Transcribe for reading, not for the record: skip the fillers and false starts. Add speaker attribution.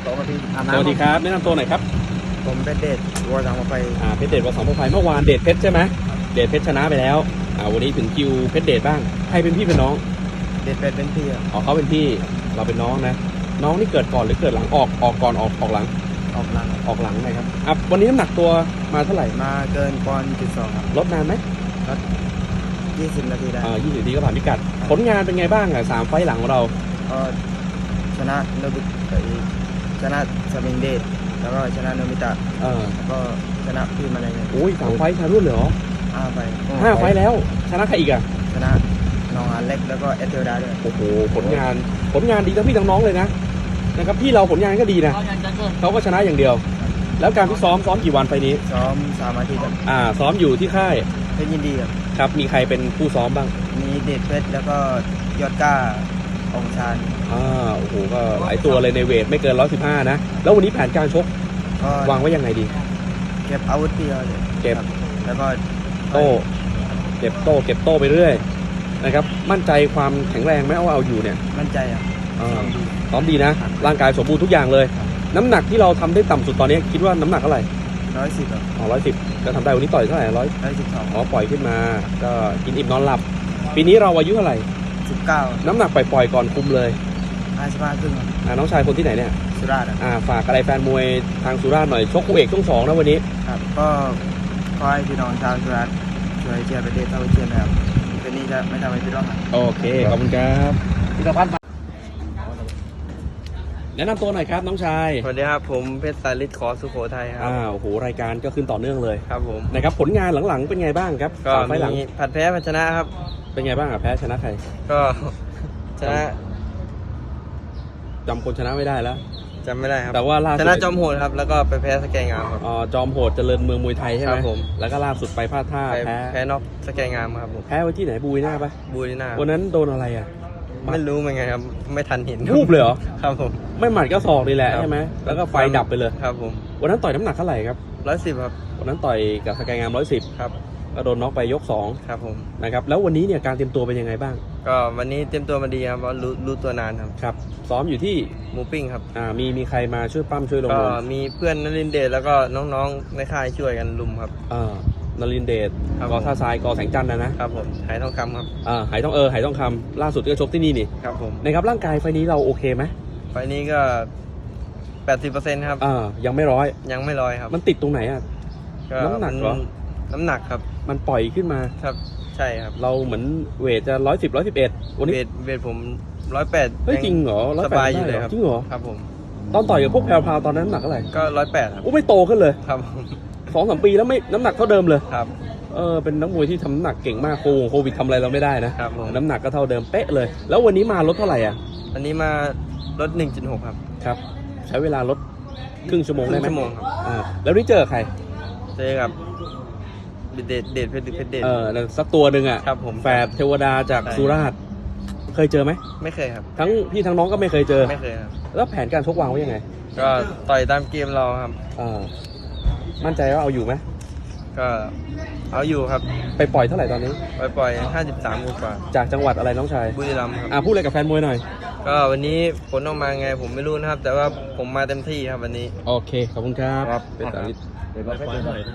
Speaker 1: 2 นาที
Speaker 2: สวัสดีครับแนะนำตัวหน่อยครับ
Speaker 1: ผมเป็นเดชวัวสังกะไฟ
Speaker 2: เพชรเดชวัวสังกะไฟเมื่อวานเดชเพชรใช่ไหมเดชเพชรชนะไปแล้ววันนี้ถึงคิวเพชรเดชบ้างใครเป็นพี่เป็นน้อง
Speaker 1: เดชเป็นพี่
Speaker 2: อ๋อเขาเป็นพี่เราเป็นน้องนะน้องนี่เกิดก่อนหรือเกิดหลังออกก่อนออกหลัง
Speaker 1: ออกห
Speaker 2: ลังนะครับวันนี้น้ำหนักตัวมาเท่าไหร่
Speaker 1: มาเกินปอนด์1.2ครับ
Speaker 2: ลดนานไหม
Speaker 1: ลด20 นาทีได้
Speaker 2: 20 นาทีก็ผ่านพิกัดผลงานเป็นไงบ้าง3 ไฟล์หลังของเรา
Speaker 1: ก็ชนะโนบิชนะสมิงเดชแล้วก็ชนะโนมิตะแล้วก็ชนะพี่มาเลย
Speaker 2: โอ้ย3 ไฟล์ชนะรุ่นเหรอ
Speaker 1: 5 ไฟล์
Speaker 2: 5 ไฟล์แล้วชนะใครอีก
Speaker 1: ชนะน้องอันเล็กแล้วก็เอเทลดาด้วย
Speaker 2: โอ้โหผลงานดีทั้งพี่ทั้งน้องเลยนะครับพี่เราผลงานก็ดีนะเขาก็ชนะอย่างเดียวแล้วการซ้อมกี่วันไฟนี้
Speaker 1: ซ้อม3 อาทิตย์
Speaker 2: ซ้อมอยู่ที่ค่าย
Speaker 1: เพชรยินดี
Speaker 2: ครับมีใครเป็นผู้ซ้อมบ้าง
Speaker 1: มีเดชเพชรแล้วก็ยอดก้าองชาน
Speaker 2: โอ้โหก็หลายตัวเลยในเวทไม่เกิน115นะแล้ววันนี้แผนการชกวางไว้ยังไงดี
Speaker 1: เก็บอาวุธที่เรา
Speaker 2: เก็บ
Speaker 1: แล้วก็
Speaker 2: เก็บโต้ไปเรื่อยนะครับมั่นใจความแข็งแรงไหมเอาอยู่เนี่ย
Speaker 1: มั่นใจ
Speaker 2: ซ้อมดีนะร่างกายสมบูรณ์ทุกอย่างเลยน้ำหนักที่เราทำได้ต่ำสุดตอนนี้คิดว่าน้ำหนักเท่าไหร่
Speaker 1: 110ครับ
Speaker 2: 110ก็ทำได้วันนี้ต่อยเท่าไหร่
Speaker 1: 112
Speaker 2: ปล่อยขึ้นมาก็กินอิ่มนอนหลับปีนี้เราอายุเท่าไหร่
Speaker 1: 19
Speaker 2: น้ำหนักปล่อยก่อนคุมเลย
Speaker 1: 55 ครึ่ง
Speaker 2: น้องชายคนที่ไหนเนี่ย
Speaker 1: สุราษฎร์
Speaker 2: ฝากอะไรแฟนมวยทางสุราษฎร์หน่อยชกคู่เอกช่วง2นะวันนี้
Speaker 1: ครับก็ขอให้พี่น้องชาวสุราษฎร์ช่วยเชียร์ประเทศเท่าเทียมนะครับคืนนี้จะไม่ทำให้พี่ร้อง
Speaker 2: โอเคขอบคุณครับพิรพัฒน์แนะนำตัวหน่อยครับน้องชาย
Speaker 1: สวัสดีครับผมเพชรสาริศขอสุโขทัยครับ
Speaker 2: โอ้โหรายการก็ขึ้นต่อเนื่องเลย
Speaker 1: ครับผม
Speaker 2: นะครับผลงานหลังๆเป็นไงบ้างครับ
Speaker 1: ก็มีผัดแพ้ผัดชนะครับ
Speaker 2: เป็นไงบ้างแพ้ชนะใคร
Speaker 1: ก็ชนะ
Speaker 2: จำคนชนะไม่ได้แล้ว
Speaker 1: จำไม่ได้ครับ
Speaker 2: แต่ว่าล่าสุด
Speaker 1: ชนะจอมโหดครับแล้วก็ไปแพ้สแกงามครับ
Speaker 2: จอมโหดเจริญเมืองมวยไทยใช่ไหม
Speaker 1: ครับผม
Speaker 2: แล้วก็ล่าสุดไปพลาดท่า
Speaker 1: แพ้น็อกสแกงามครับผม
Speaker 2: แพ้ไว้ที่ไหนบูยหน้าปะ
Speaker 1: บูยหน้า
Speaker 2: วันนั้นโดนอะไร
Speaker 1: ไม่รู้เหมือนไงครับไม่ทันเห็น
Speaker 2: รูปเลยเหรอ
Speaker 1: ครับผม
Speaker 2: ไม่หมัดก็ศอกนี่แหละใช่ไหมแล้วก็ไฟดับไปเลย
Speaker 1: ครับผม
Speaker 2: วันนั้นต่อยน้ำหนักเท่าไหร่ครับ
Speaker 1: 110ครับ
Speaker 2: วันนั้นต่อยกับสแกงาม110
Speaker 1: ครับ
Speaker 2: ก็โดนน็อกไปยก2
Speaker 1: ครับผม
Speaker 2: นะครับแล้ววันนี้เนี่ยการเตรียมตัวเป็นยังไงบ้าง
Speaker 1: ก็วันนี้เตรียมตัวมาดีครับเพราะรู้ตัวนานครับ
Speaker 2: ซ้อมอยู่ที่
Speaker 1: หมูปิ้งครับ
Speaker 2: มีใครมาช่วยปั้มช่วยลง
Speaker 1: ก็มีเพื่อนนรินทร์เดชแล้วก็น้องๆในค่ายช่วยกันลุมครับ
Speaker 2: นรินทร์เดชกอท่าทรายกอแสงจันทร์นะครับ
Speaker 1: ผมหายทองคำครับ
Speaker 2: หายทองคำล่าสุดก็ชกที่นี่
Speaker 1: ครับผม
Speaker 2: นะครับร่างกายไฟนี้เราโอเคไหม
Speaker 1: ไฟนี้ก็ 80% ครับ
Speaker 2: ยังไม่100
Speaker 1: ครับ
Speaker 2: มันติดตรงไหนน้ำหนักเหรอ
Speaker 1: น้ำหนักครับ
Speaker 2: มันปล่อยขึ้นมา
Speaker 1: ครับใช่ครับ
Speaker 2: เราเหมือนเวทจะ110 111วันนี้
Speaker 1: เวทผม108
Speaker 2: เฮ้ยจริงเหรอ
Speaker 1: สบายอยู่เลยครับ
Speaker 2: จริงเหรอ
Speaker 1: ครับผม
Speaker 2: ตอนต่อยกับพวกแพรวๆตอนนั้นน้ำหนักเท่าไหร่
Speaker 1: ก็108ครับ
Speaker 2: ไม่โตขึ้นเลย
Speaker 1: ครับ
Speaker 2: 2-3 ปีแล้วไม่น้ำหนักเท่าเดิมเลย
Speaker 1: ครับ
Speaker 2: เป็นนักมวยที่ทำน้ำหนักเก่งมากโควิดทำอะไรเราไม่ได้นะครับน้ำหนักก็เท่าเดิมเป๊ะเลยแล้ววันนี้มาลดเท่าไหร่
Speaker 1: วันนี้มาลด 1.6
Speaker 2: ครับใช้เวลาลดครึ่งชั่วโมงได้ไหม
Speaker 1: ชั่วโมงครับ
Speaker 2: แล้วนี่เจอใคร
Speaker 1: เจอกับเดชเพชรเดช
Speaker 2: สักตัวหนึ่ง
Speaker 1: ครับผม
Speaker 2: แฝดเทวดาจากสุราษฎร์เคยเจอไหม
Speaker 1: ไม่เคยครับ
Speaker 2: ทั้งพี่ทั้งน้องก็ไม่เคยเจอ
Speaker 1: ไม่เคยครับ
Speaker 2: แล้วแผนการชกวางไว้ยังไง
Speaker 1: ก็ต่อยตามเกมเราครับ
Speaker 2: มั่นใจว่าเอาอยู่ไหม
Speaker 1: ก็เอาอยู่ครับ
Speaker 2: ไปปล่อยเท่าไหร่ตอนนี้
Speaker 1: ปล่อย53 กว่า
Speaker 2: จากจังหวัดอะไรน้องชาย
Speaker 1: บุรีรัมย์ครับ
Speaker 2: พูดอะไรกับแฟนมวยหน่อย
Speaker 1: ก็วันนี้ผลออกมาไงผมไม่รู้นะครับแต่ว่าผมมาเต็มที่ครับวันนี้
Speaker 2: โอเคขอบคุณครับเป็นสาริศ